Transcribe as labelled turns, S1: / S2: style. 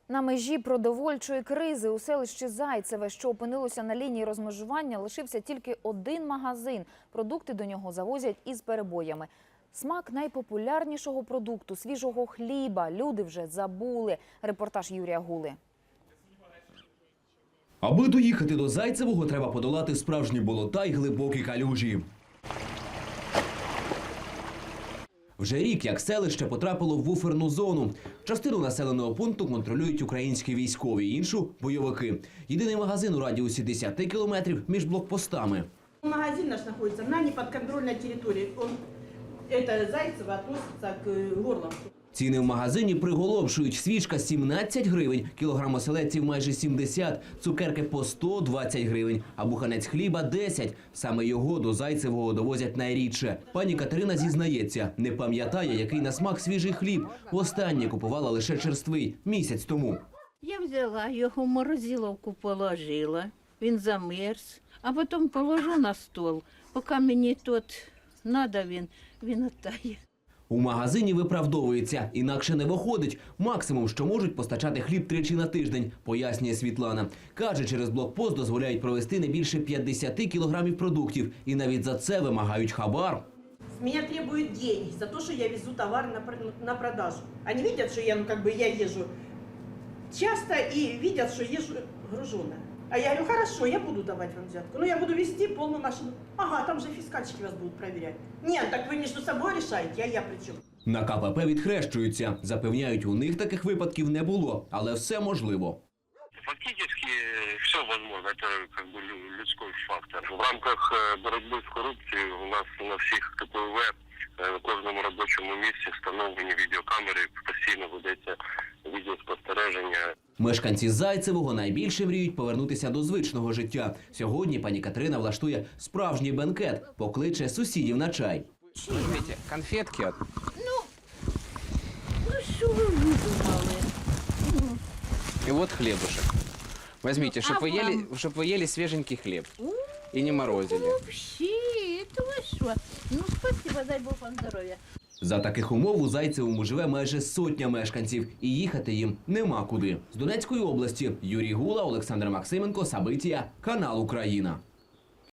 S1: На межі продовольчої кризи у селищі Зайцеве, що опинилося на лінії розмежування, лишився тільки один магазин. Продукти до нього завозять із перебоями. Смак найпопулярнішого продукту – свіжого хліба. Люди вже забули. Репортаж Юрія Гули.
S2: Аби доїхати до Зайцевого, треба подолати справжні болота й глибокі калюжі. Вже рік, як селище потрапило в буферну зону. Частину населеного пункту контролюють українські військові, іншу – бойовики. Єдиний магазин у радіусі 10 кілометрів між блокпостами.
S3: Магазин наш знаходиться на неподконтрольній території. Зайцево відноситься к Горловцю.
S2: Ціни в магазині приголомшують. Свічка – 17 гривень, кілограм оселедців – майже 70, цукерки – по 120 гривень, а буханець хліба – 10. Саме його до Зайцевого довозять найрідше. Пані Катерина зізнається, не пам'ятає, який на смак свіжий хліб. Востаннє купувала лише черствий – місяць тому.
S4: Я взяла його в морозиловку, положила, він замерз, а потім положу на стол, поки мені тут треба, він оттає.
S2: У магазині виправдовується, інакше не виходить. Максимум, що можуть постачати хліб тричі на тиждень, пояснює Світлана. Каже, через блокпост дозволяють провести не більше 50 кілограмів продуктів. І навіть за це вимагають хабар.
S3: С меня требуют деньги за то, что я везу товар на продажу. Они видят, что я езжу часто и видят, что езжу груженая. А я говорю, хорошо, я буду давать вам взятку. Но я буду везти полную машину. Ага, там же фискальщики вас будут проверять. Нет, так вы между собой решаете, а я при чем?
S2: На КПП відхрещуються. Запевняють, у них таких випадків не було, але все можливо.
S5: Фактически все возможно, это как бы людской фактор. В рамках боротьби з корупцією у нас на всіх КПВ на кожному робочому місці встановлені відеокамери, постійно ведеться відеоспостереження.
S2: Мешканці Зайцевого найбільше мріють повернутися до звичного життя. Сьогодні пані Катерина влаштує справжній бенкет, покличе сусідів на чай.
S6: Возьмите конфетки.
S4: Ну що ви видумали?
S6: И вот хлебушек. Возьмите, чтобы вы ели свеженький хлеб. И не морозили.
S4: Вообще, это ви що? Ну, спасибо, дай Бог вам здоров'я.
S2: За таких умов у Зайцевому живе майже сотня мешканців. І їхати їм нема куди. З Донецької області Юрій Гула, Олександр Максименко, Сабитія, канал Україна.